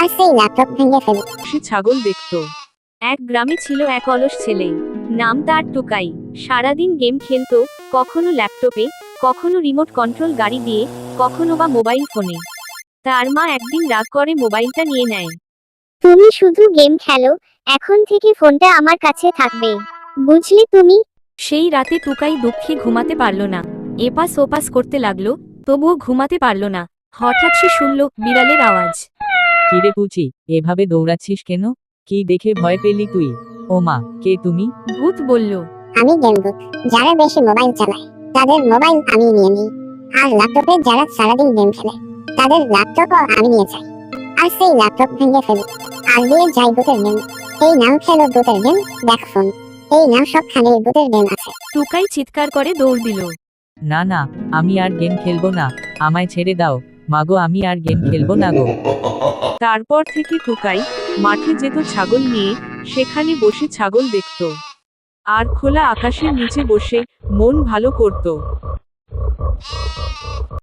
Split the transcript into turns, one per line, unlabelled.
আর সেই ল্যাপটপ ভেঙে ফেলে।
সে ছাগল দেখত। এক গ্রামে ছিল এক অলস ছেলে, নাম তার টুকাই। সারাদিন গেম খেলতো, কখনো ল্যাপটপে, কখনো রিমোট কন্ট্রোল গাড়ি দিয়ে, কখনো বা মোবাইল ফোনে। তার মা একদিন রাগ করে মোবাইলটা নিয়ে নেয়।
তুমি শুধু গেম খেলো, এখন থেকে ফোনটা আমার কাছে থাকবে, বুঝলে তুমি?
সেই রাতে টুকাই দুঃখে ঘুমাতে পারল না। এপাস ওপাস করতে লাগলো, তবুও ঘুমাতে পারল না। হঠাৎ সে শুনল বিড়ালের আওয়াজ।
কিরে পুচি, এভাবে দৌড়াচ্ছিস কেন? কি দেখে ভয় পেলি তুই? ও মা, কে তুমি?
ভূত বলল,
আমি গেম ভূত। যারা বেশি মোবাইল চালায় তাদের মোবাইল আমি নিয়ে নিই, আর ল্যাপটপে যারা সারাদিন গেম খেলে তাদের ল্যাপটপও আমি নিয়ে যাই, আর সেই ল্যাপটপ ভেঙে ফেলি, আর দিয়ে যাই ভূতের গেম। এই নাম খেলো ভূতের গেম, দেখ ফোন। এই নাম সবখানে ভূতের গেম আছে।
টুকাই চিৎকার করে দৌড় দিল।
না না, আমি আর গেম খেলবো না, আমায় ছেড়ে দাও। মাগো, আমি আর গেম খেলবো না গো।
তারপর থেকে টুকাই মাঠে যেত ছাগল নিয়ে, সেখানে বসে ছাগল দেখত আর খোলা আকাশের নিচে বসে মন ভালো করত।